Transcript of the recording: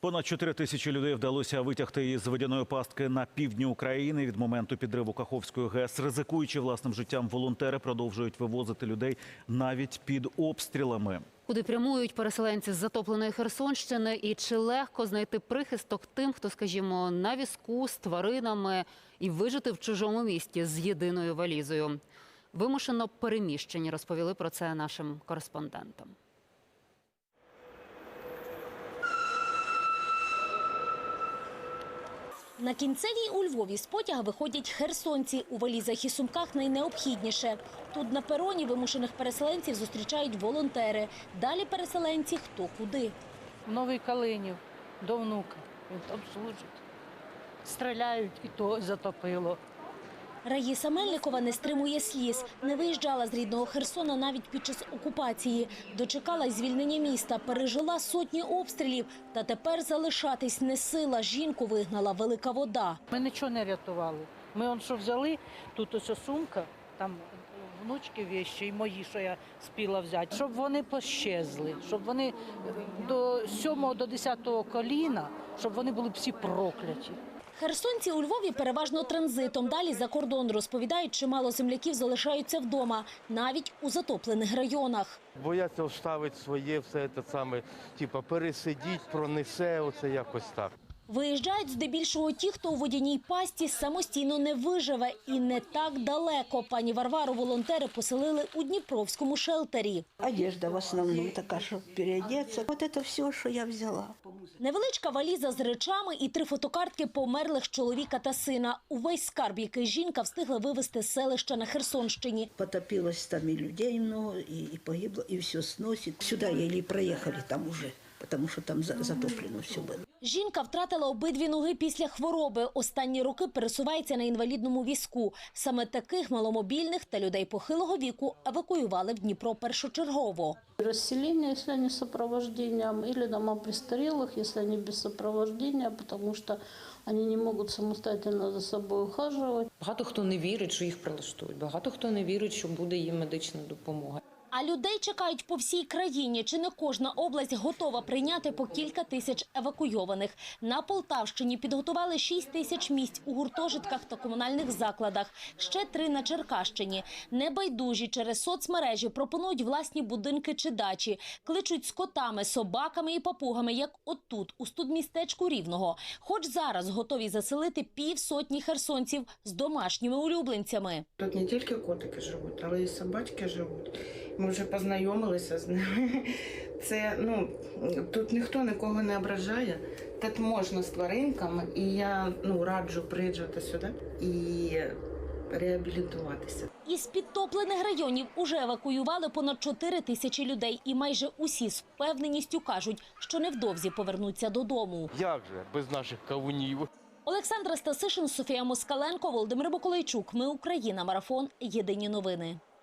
Понад 4 тисячі людей вдалося витягти із водяної пастки на півдні України. Від моменту підриву Каховської ГЕС, ризикуючи власним життям, волонтери продовжують вивозити людей навіть під обстрілами. Куди прямують переселенці з затопленої Херсонщини і чи легко знайти прихисток тим, хто, скажімо, на візку з тваринами і вижити в чужому місті з єдиною валізою. Вимушено переміщені, розповіли про це нашим кореспондентам. На Кінцевій у Львові з потяга виходять херсонці. У валізах і сумках найнеобхідніше. Тут на пероні вимушених переселенців зустрічають волонтери. Далі переселенці хто куди. В Новий Калинів до внука. Він там служить. Стріляють і то затопило. Раїса Мельникова не стримує сліз. Не виїжджала з рідного Херсона навіть під час окупації. Дочекалась звільнення міста, пережила сотні обстрілів. Та тепер залишатись не сила. Жінку вигнала велика вода. Ми нічого не рятували. Ми що взяли, тут ось сумка, там внучки вещі і мої, що я спіла взяти. Щоб вони пощезли, щоб вони до 7-го, до 10-го коліна, щоб вони були всі прокляті. Херсонці у Львові переважно транзитом. Далі за кордон, розповідають, чимало земляків залишаються вдома, навіть у затоплених районах. Бояться оставити своє, все це саме, типу, пересидіть, пронесе, оце якось так. Виїжджають здебільшого ті, хто у водяній пасті самостійно не виживе. І не так далеко. Пані Варвару волонтери поселили у Дніпровському шелтері. Одежда в основному така, щоб переодеться. Ось це все, що я взяла. Невеличка валіза з речами і 3 фотокартки померлих чоловіка та сина. Увесь скарб, який жінка встигла вивезти з селища на Херсонщині. Потопилось там і людей много, і погибло, і все сносить. Сюди еле проїхали там уже, тому що там затоплено все було. Жінка втратила обидві ноги після хвороби. Останні роки пересувається на інвалідному візку. Саме таких маломобільних та людей похилого віку евакуювали в Дніпро першочергово. Расселение, если они с сопровождением, или дома престарелых, если они без сопровождения, потому что они не могут самостоятельно за собой ухаживать. Багато хто не вірить, що їх прилаштують, багато хто не вірить, що буде їм медична допомога. А людей чекають по всій країні. Чи не кожна область готова прийняти по кілька тисяч евакуйованих. На Полтавщині підготували 6 тисяч місць у гуртожитках та комунальних закладах. Ще 3 на Черкащині. Небайдужі через соцмережі пропонують власні будинки чи дачі. Кличуть з котами, собаками і папугами, як отут, у студмістечку Рівного. Хоч зараз готові заселити півсотні херсонців з домашніми улюбленцями. Тут не тільки котики живуть, але й собачки живуть. Ми вже познайомилися з ними. Це, тут ніхто нікого не ображає. Тут можна з тваринками, і я раджу приїжджати сюди і реабілітуватися. Із підтоплених районів уже евакуювали понад 4 тисячі людей. І майже усі з впевненістю кажуть, що невдовзі повернуться додому. Як же без наших кавунів? Олександра Стасишин, Софія Москаленко, Володимир Миколайчук. Ми Україна. Марафон. Єдині новини.